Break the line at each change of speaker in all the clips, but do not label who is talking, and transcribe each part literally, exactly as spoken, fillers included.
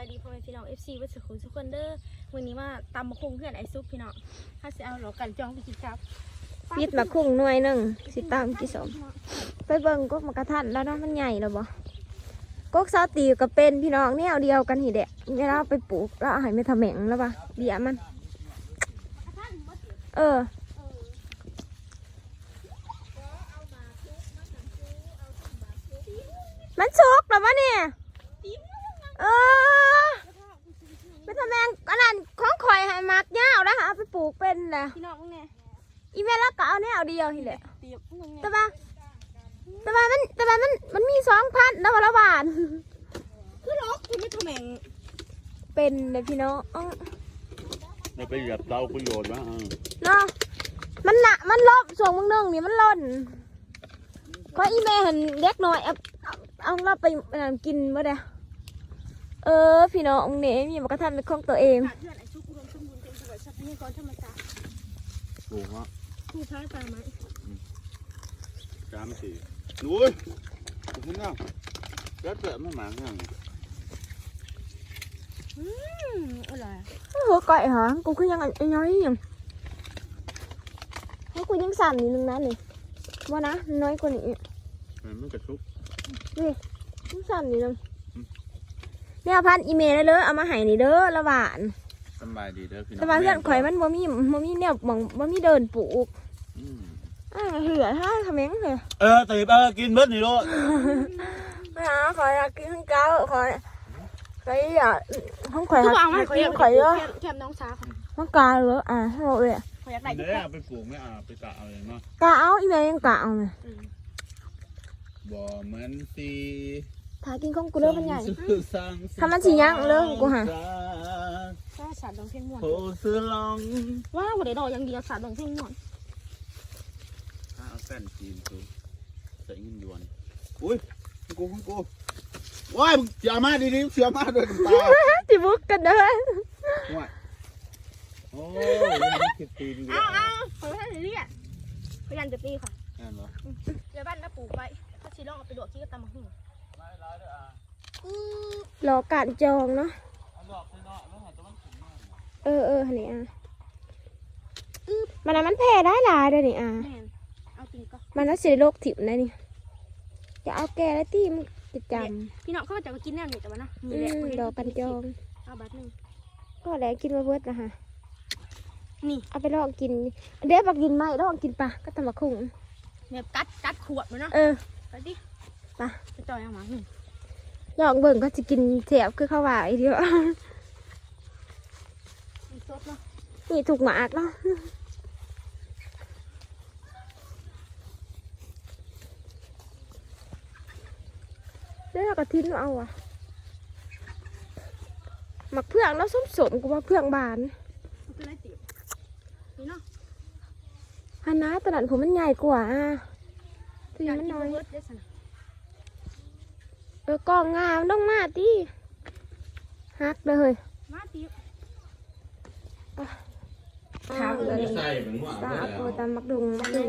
ายดีพ่อแม่พี่น้อง เอฟ ซี วัดสุขุมสุขคนเด้อวันนี้มาตำมะคุงเพื่อนไอซุปพี่น้องถ้าสิเอาหลอกกันจองไปกินครับ
ปิดมะคุงหน่วยหนึ่งสิตามกี่สมไปเบิ่งกกมะกระทันแล้วเนาะมันใหญ่แล้วบ่กกซาตีก็เป็นพี่น้องเนี่ยเดียวกันหีเดะเวลาไปปลูกแล้วให้ไม่ทำแหม่งแล้วปะเบี้ยมันเออมันสุกแล้ววะเนี่ยเออไม่ทำแมงอันนั้นของข่อยให้มักยาวแล้วหาไปปลูกเป็นแหละ
พี่น้องมึงเนี่ย
อีเมลก็เอาแนวเดียวทีแหละแต่ว่าแต่ว่ามันแต่ว่ามันมันมีสองพันแล้วละบาท
คือล็อกคือไม่ทำแมง
เป็นเลยพี่น้อง
เราไปเหยียบเตาประโยชน์วะ
เนาะมันหนักมันลบส่วนมึงนึงนี่มันล่นเพราะอีเมลเห็นเล็กน้อยเอาเอาเราไปกินเมื่อใดเออพี่น้องเนี่ยมีมากระทำเป็นของตัวเอง
เพื่อนไอซุปอุดมสมบูรณ์เต็มสวยชัดนี่ก่อนธรรมชาติ
ถูกฮะ
ถูกท้ายตามไหม
สามสี่นุ้ยคุณน้าแล้วเจอไม่หมาเงี้ย
อืมอะไร
โอ้โหไก่หรอกูคือยังไอ้น้อยยังให้กูยังสั่นนิดนึงนะนี่ว่านะน้อยกว่านี้
มันไม่กระชุก
นี่ยังสั่นนิดนึงเนี่ยพันอีเมลได้เลยเอามาให้นี่เด้อละบาท
สบายดีเด้อพี่น้อง
แต่ว่าเพื่อนข่อยมันบ่มีบ่มีเนี่ยบ่บ่มีเดินปลูกอ่าเหือถ้าทำเองเลย
เออตีบเออกินเบิดนี่ลูก
ไม่เอาข่อยอยากกินข้าวเจ้าข่อยข่อยอยากห้องข่อยอยากกินข่อยเยอะ
แคมน้องสาว
ห้องกาเหรออ่าให้เราเลย
ข่อยอยากได้
เนี่ยไปปลูกไม่เอาไปกะเอาเลยเนาะ
กาเอาอีเมลยังกาเอาเลย
บ่เหมือนสี
ถ่ายกินของกูเลิกมันใหญ่ทำมันสีย่างเลิกกูหา
ถ้าสาดดองเพ่งม่วน
ว้า
วบ่ได้ดอกอย่างเดียวสาดดองเพ่งม่วน
ถ้าเอาแป้นจีนกูใส่เงินยวนอุ้ยกูของกูว้ายมึงอย่ามาดีๆเสียมาด้วยตา
จิบุกกันเด้อ
ว้ายโอ้ยคิดตีน
เอาเอาขอให้เรียกพยายามจะตีค่ะ
นั่นเหรอ
เดี๋ยวบ้านน้าปลูกไปถ้าชีลองเอาไปดวกขี้ก็ตำมะฮึ่ง
รอการจองเนาะเออเออนี่อ่ะมันมันแพ้ได้หลายเลยนี่อ่ะมันน่าเสียโรคถิ่มได้นี่จะเอาแกแล้วที่มันจะจ
ำพี่น้องเขาจะมากินแน่หนึ่งแต่ว่านะ
มีแหละรอการจอง
เอาบัตรหนึ่ง
ก็แล้วกินมาเบิดนะฮะ
นี่
เอาไปลองกินเดี๋ยวมากินไหมลองกินปลาก็ทำมาคุ้ง
เนี่ยกัดกัดขวดเลยเนาะ
เออ
ไปดิ
ปลา
จะจอยเอาหมาหนึ่ง
ลองเบิ่งก็จะกินเสียบคือข้าวหวานอีเดียวนี่ถูกหมากเนาะแล้วเราก็ทิ้งเอาอ่ะหมักเพื่องแล้วส้มสมกูว่าเพื่องบานฮันนะตลาดผมมันใหญ่กว่าอ่ะที่มันน้อยเออกองงามต้องมาดิฮักเลย
มาดิ
ข้าวเลยซาอัปโปตามมักดุงมักดุง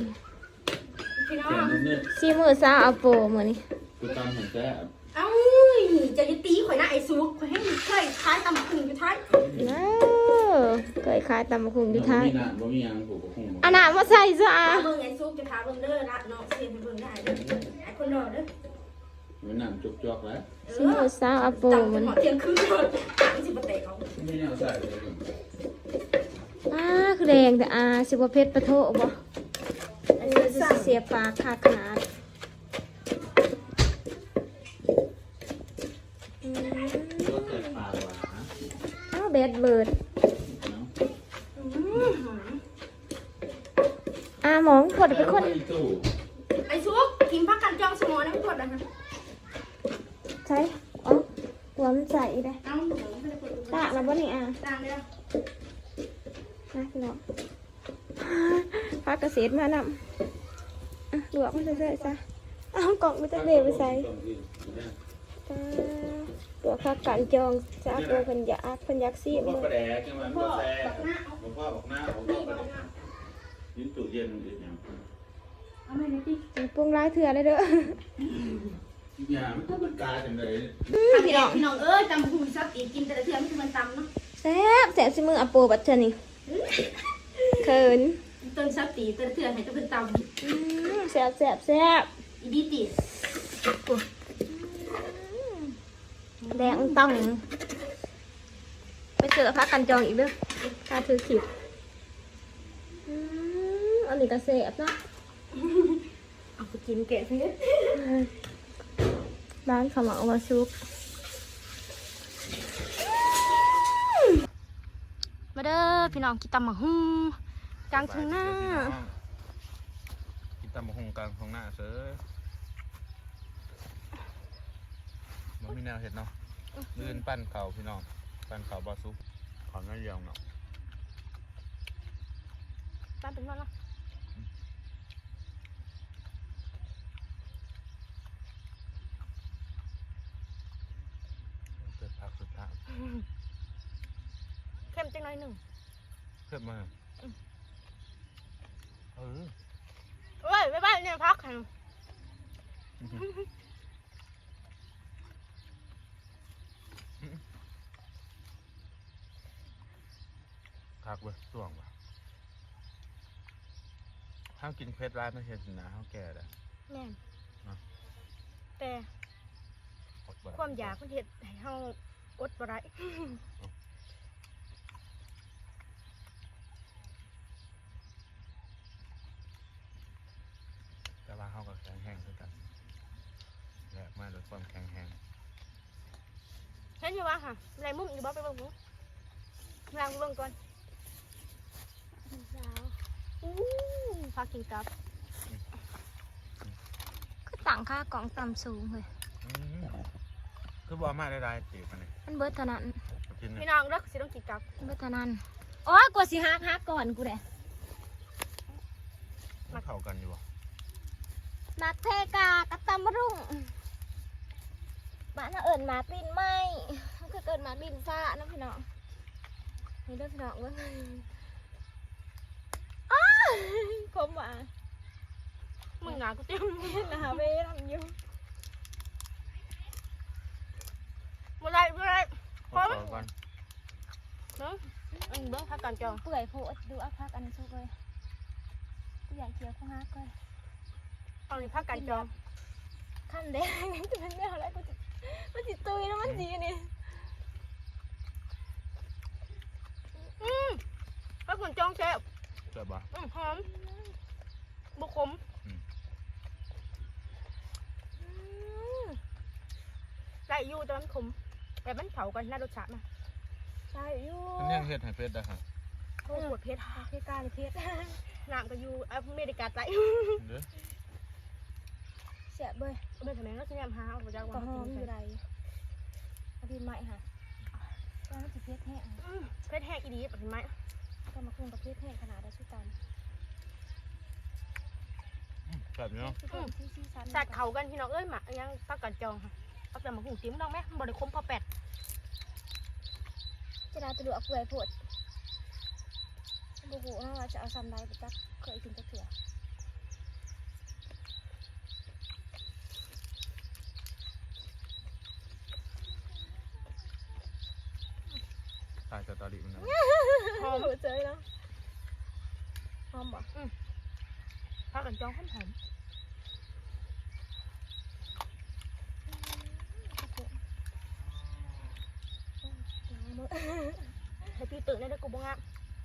ซีมือซาอัปโปเหมือนนี่
กูตามเห็นแซ่บ
เอ้าจะยึดตีข่อยหน้าไอ้ซุกข่อยให้เคยคล้ายตำบักหุ่งอยู่ท้าย
เออเคยคล้ายตำบักหุ่งอยู่ท้าย
บ่มีอย่างผูกกับหุ่ง
อันน่ะมาใส่ซะ
เบิ่งไอ้ซุกจะพาเบิ่งเด้อนะน้องเสียนไปเบิ่งได้เด้อไอ้คนรอเด้อ
มันน้ำจุกจอกแล้ว
ซีมือซาอัปโปมัน
เที่ยงคืนเลยไม่สิบเตะเขา
ไม่เอาใส่เลย
อ่าคือแดงแต่อ่าสิบเพชรปะโถบ่อันนี้จะเสียปากขาดขนาดอ้าวเบ็ดเบิร์ดอ่ามองกดไปคน
ไอ้ซุกกินพักกันจองสมองนะไม่กดนะ
ใช่อ๋อหัวมันใส่ได้ตาเราบ่นี่อ่ะ
ตามเลย
นะพี่น้องพักเกษตรมานำหลวกมันใส่ซะเอากล่องมันจะเบรไปใส่ตัวพักกันจองจะเอาพันยาพันยักษ์ซี
มันก็แดกใช่ไหมมันก็แซ่บมันพ่อบอกหน้าผมก็ยืนตู้เย็นยืนอย่าง
เอาไม่ได้ดิ
ปรุงร้ายเถื่อเลยเด้อ
อย่างมันก็เป็นกาจังเลย
พี่น้องพี่น้องเอ้ยจำหุ่นซักตีกินแต่ละเทื่อไม่ถึงมันตำเนาะ
แซ่บแซ่บสิมืออะโปบัดเทื่อนี่เขิน
ต้นซับตีแต่ละเทื่อให้จะเป็นต
อืมแซ่บแซ่บแซ่บ
ำอีดีตี
แดงต้องไปเจอพักกันจองอีกเด้อถ้าถือขิดอืมอันนี้ก็แซ่บเนาะ
เอาไปกินแกะซิ
ร้านขาวเหมามาชุบมาเด้อพี่น้องกินตำมะฮุ่งกลางทุ่งหน้า
กินตำมะฮงกลางท้องหน้าเสือมันมีแนวเห็ดเนาะลื่นปั้นเข่าพี่น้องปั้นเข่าบอซุปขอนไม่ยาวเนาะ
บ้านเป็นวันละ
เกิดผักสุดท้าย
เข้มจังหน่อยหนึ่ง
เพิ่มมาเออ
เอ้ยไปบ้านเนี่ยพักค่ะ
คักเว้ยส่วงว่ะห้ามกินเพชรร้ายไม่เห็นนะห้ามแก่เลย
แม่น
อ่ะ
แต่
อดบ่ได้
ความอยากมันเห็ดให้เฮาอดบ่ได้
แต่ว่าเขาก็แข็งแห้งด้วยกันแหลกมากด้วยความแข็งแห้ง
เห็นอยู่วะค่ะไรมุมอยู่บ่ไปเบิ่งหมูลางไปเบิ่งก่อนสาวอู้พักกินกับ
ก็ต่างค่ากล่องต่ำสูงเลย
อืมคือบอกมาได้ๆจีบมันนี่
มันเบิดเท่านั้น
กิน
พี่
เนี่ย
น้องเลิกสิต้องกินกับ
มันเบิดเท่านั้นโอ้ยกว่าสิฮักฮักก่อนกูแหละ
มันเข้ากันอยู่บ่
มักเทกากับตำมะรุ่งบ้านน่ะเอิญหมากดินไหมมันคือเกิดหมากดินฟ้านะพี่น้องนี่เด้อพี่น้องเว้ยอ้าคมว่ะ
มึงหนากูเต็ม
หนาเวทำอยู่
บ่ได้บ่ได้ พร้อม
เข้ากัน
เนาะอันเบิ่งพักกันจอง
เปื่อยโพดดูอักพักอันนี้สุกเลยกูอยากเคี้ยวข้าวฮักเลย
เอานี่พักกันจอง
ขั้นแดงจะเป็นแนวอะไรกูจะมันจิตุยแล้วมันจีนี่
อืมพักกันจองแซ่บ
เจ็บบ่
อืมหอมบุขมได้อยู่แต่มันขมแต่มันเผากันน่ารสชาตินะ
ใช่อยู่
มันยังเฮ็ดให้เป็ดได้ฮะ
โคตรปวดเพชร
เพชรกาหรือเพชร
น้ำก็อยู่อเมริกาใต้
เด้อ
เสียเบย
เมื่อทำไมเราจะแนมหาเอาไปจาก
ก็
วัน
หอม
กิ
อน ยู่ไรเอาดินไหมค่ะแล้วมันจะเพชรแห้ง
อืมเพชรแห้งอีดีเห็นไหม
ก็มาคุมกับเพชรแห้งขนาดได้ชุดตัน
แบบนี้เนาะ
ที่ซีซัน
สัตว์เขากันพี่น้องเอ้ยหมายังพักกันจองค่ะเอาแต่มาหุงจิ้มน้องไหมบริคมพอแปด
จะได้ตัวดูอักเปื่อยโพดบุกุนะว่าจะเอาซันไดไปจักเคยกินตะเกียบ
ถ่ายสตอรี่มันนะ
หอม
เจอแล้วหอมบ่
พักกันจองหอมหอม ให้พี่ตื่นได้ด้วยกูบ้างอ่ะ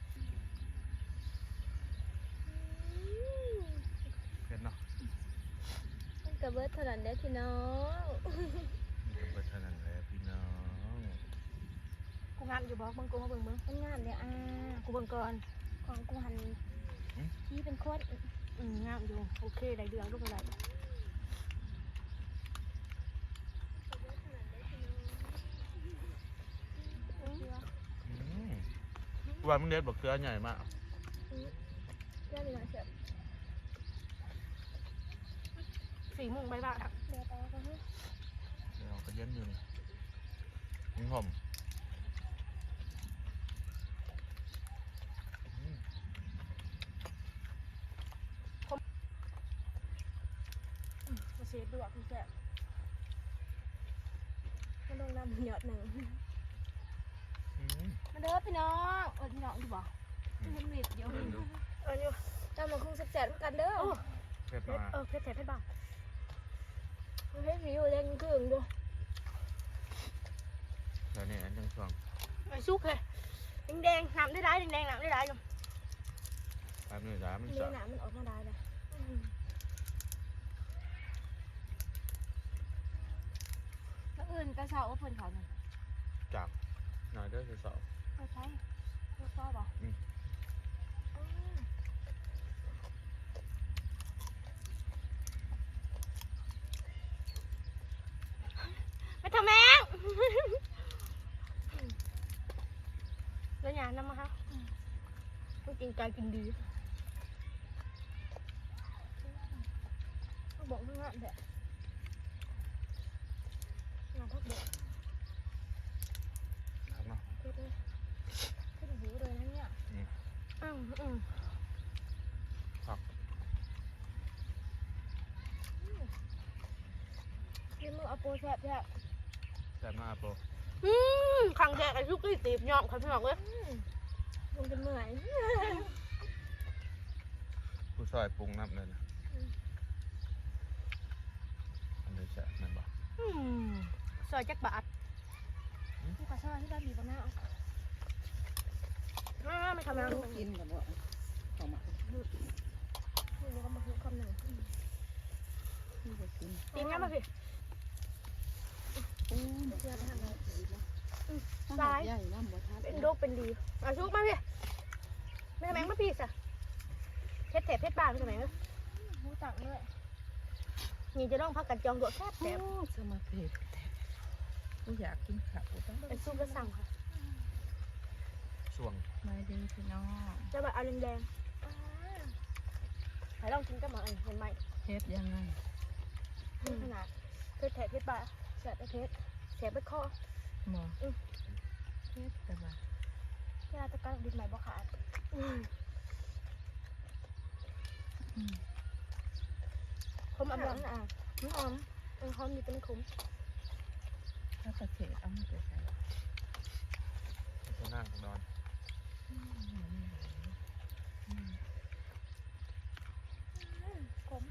เผ็ดเนาะ
มันกระเบิดเท่านั้นเด้อพี่น้อง
มันก็เบิดเท่านั้นแหละพี่น้อง
กูงามอยู่บอกมึงกูมาเบิ่งมึง
มันงามเลยอ่ะ
กูเบิ่งก่อน
ของกูหันที่เป็นโคตร
อืมงามอยู่โอเคได้เดืองลูกอะไร
อืมกูว่ามึงเด็ดบอกเกลือใหญ่มาก
เพื่อนมีหนังเสียบ
สี่โมงบ่ายบ่ายอ่ะ
เดี๋ยวไปแล้วก็เฮ้ย
เดี๋ยวก็เย็นอยู่นี่นี่หอมอืม
มาเสียดวกคุณแซ่บ
มันลงน้ำหยอดหนึ่งมาเด้อพี่น้องเออพี่น้องดีบ่เห็นเม็ดเดียวเอออยู่จำมาคงแซ่บๆกันเด้อ
เผ็ด
เพ
มา
ชรเออเพชรแถบเพชรบ้าง
เฮ็ดสิอยู่แรงเครื่องดู
เดี๋ยวนี้อันจังช่วง
ไอ้ซุกเลยแดงๆน้ำได้ร้ายแดงๆน้ำได้ร้ายอยู่
แป๊บนึงจ้ามัน
นี่
สับ
น้ำมันออกมาได้เลยแล้วอื่นกระเช้าว่าเพิ่นเขาเนี่ย
จับหน่อยเด้อจะสอบ
ไม่ใช่ไม่ชอบอ่ะ
ไม่ทำแมงแล้วยาน้ำมาครับต้องกินกายกินดีบอกเรื่องนั้นแหละงานพักเด็ก
ครับเนาะ
เด็ดเลยขึ้นหูเลยนะเนี่ยอืมอืม
ครับ
กินมือเอาโปรแซ่บแซ่บ
แซ่บมากโปร
อืมขังแดกไอ้ซุกกี้ตีบยอมเขาพี่น้องเลย
ลงจะเมื่อย
ผู้ซอยปรุงน้ำเลยนะอันนี้แซ่บแม่นบ่
อืมซอยจักบาท
นี่ก็ชอบที่บ้านมีบ้านหน้า
อ่าไม่ทำแมง
กินกับว่าเขามา
นี่ก็มาคือคำหนึ่ง
ที่จะกิน
ตีนงั้นมาสิ
โอ้ย
เชื่อไปทางไหน
ซ้ายใหญ่น้ำบ่ทัน
เป็นโรคเป็นดีอ่ะซุกมาพี่ไม่ทำแมงมาพี่สะเพชรแถบเพชรบ้านไม่ทำแมงนะ
หูตักเลย
นี่จะต้องพักกันจองตัวแคบแถบ
โอ้สมาธิกูอยากกินข้าวต้อง
ไอ้ซุกก็สั่งค่ะ
ช่วง
มาดีพี่น้อง
จะแบบเอาแดงๆให้ลองกินกับหมาอันเห็นไหม
เฮ็ดยังไง
นี่ขนาดเพชรแถบเพชรบ้านแสบไปเพชรแสบไปคอ
หมอเฮ็ดแต่ว่า
เวลาตะการดินใหม่บ่ขาดคมอำลังอ่ะน้ำหอมมันหอมอยู่เป็นขม
ถ้าประเทศเอามาไปใส่
จะนั่งนอน
ขม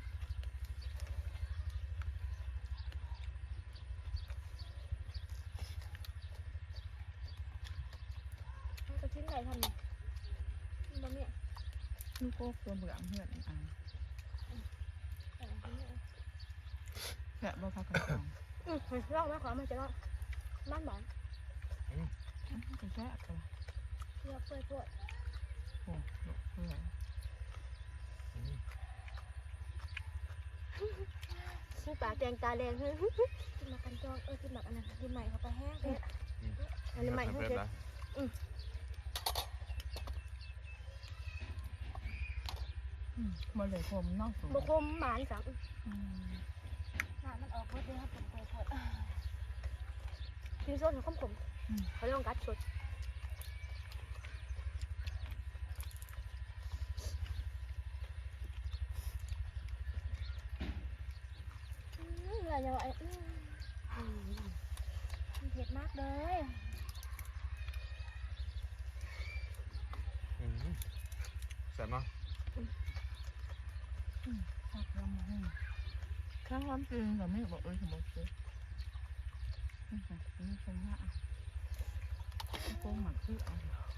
มันจะชิ้นไหนทำเนี่ยบะเมี่ย
ลูกโก้ตัวเบื่อเพื่อนอ่ะ
แต่ละชิ้นเนี่ย
แกะบ่พักกันจอง
อืมลองไหมขอมันจะลองบ้านบ้าน
ก็แซ่บตัว
เลือกเพื่อเพื่อ
โอ้ลูกเพื่อน
ซื้อปลาแดงตาแดงเฮ้ยกินมากันจองเออกินแบบอันนั้นกินใหม่เข้าไปแห้งเพชรอันนี้ใหม่เพิ่งเพชร
บ่เลยผมนอกสูง
บะคมหมานสัง
อืม
หน้ามันออกเบิดเลยครับผมเปิดเปิด
กินส้นขมขมเขาเรียกว่ากัดสด
อะไรอย่างไรมันเผ็ดมากเลย
แซ่บเนาะ
พักลำให้ข้างลำจริงแต่ไม่บอกเอ้ยสมมติเลยนี่ค่ะนี่เป็นว่าโกงหมักคือเอา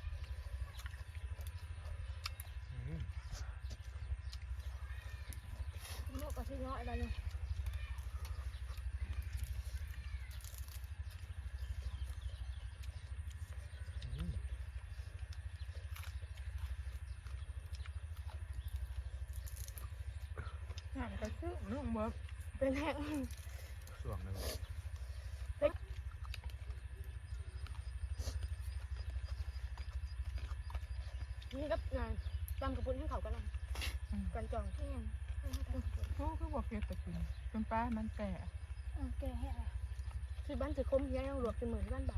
ลูกก็ที่น้อยอะไรเลย
อยากจะซื้อลูกเบิร์
เป็นแห้ง
ช่วงเลย
นี่ก็งานจำกระปุนให้เขากันนะกันจองที่ยัง
เขาคือบอกเพียแต่กินเป็นป้ามันแต่
แกแห้งเลย
คือบ้านสือคมยังหลวกเป็นเหมือนบ้านบาน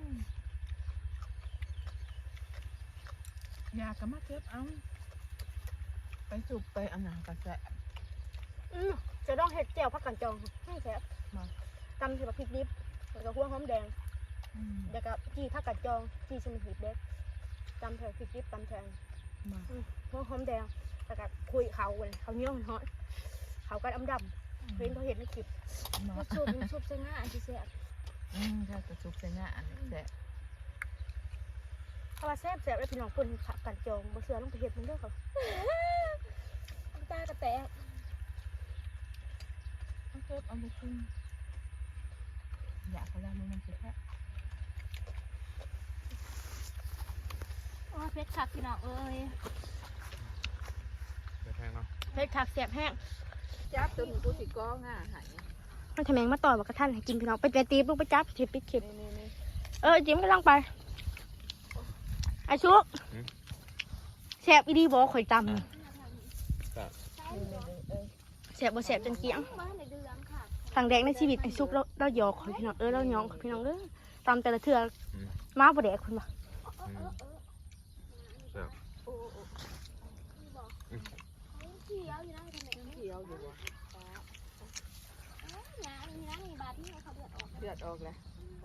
อยากก็มาเก็บเอาไปสูบไปอันหนากระแส
อืมจะต้องเห็ดแจ่วพักกันจองให้แซ่บตำใส่แบบพริกดิบแล้วก็หัวหอมแดง
อืม
แล้วก็จีผักกัดจองจีชนิดเด็กตำแทนพริกดิบตำแทน
มา
หัวหอมแดงแล้วก็คุยเขาเลยเขาเนี้ยมันฮอตเขาก็ดำดำเห็นเขาเห็นในคลิป
เนาะ
ซุปมันซุปเส้นง่ายที่แซ่บ
อืมถ้ากระซุบใส่หน้าอันนี้แซ่บ
เพราะว่าแซ่บแซ่บแล้วพี่น้องคนขับกัดจองบ่เสือลงไปเห็ดมันเด้อเขาตากระแตก
เอาเก็บเอาไปกินอยากเขาได้มันมันสิแค่
โอ้เพชรคักพี่น้องเอ้ย
ไปแพงเนาะ
เพชรคักแซ่บแห้ง
จับตัวหนูกูสิก้องอ่ะหาย
มันทำแมงมาต่อยบอกกระทันให้กินพี่น้องไปไปตีลูกไปจับเข็บปิดเข็บ
นี่นี่
เออจิ้มก็ลังไปไอ้ชุกแซ่บอีดีบอกข่อยตำ
นี่เอ้ย
แซ่บบ่แซ่บจนเกี้ยงทางแดงในชีวิตไอ้ชุกเราเราหยอกข่อยพี่น้องเออเราหยองข่อยพี่น้องเออตำแต่ละเทื่อมาบ่แดกคนบ่
เขียวอยู่วะเลือดออกแล้วโอ้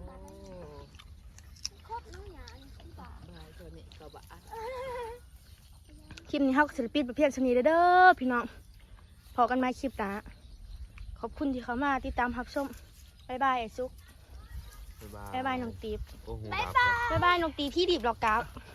บายตัวนี้กระบะ
คลิปนี้เฮาก็ศิลปินประเภทชนีเด้อพี่น้องพอกันใหม่คลิปหน้าขอบคุณที่เข้ามาติดตามรับชมบ๊ายบายไอ้ชุก
บ๊ายบาย
บ๊ายบายน้องตีบ
โอ้โห
บ๊ายบายน้องตีบที่ดีบดอกกราฟ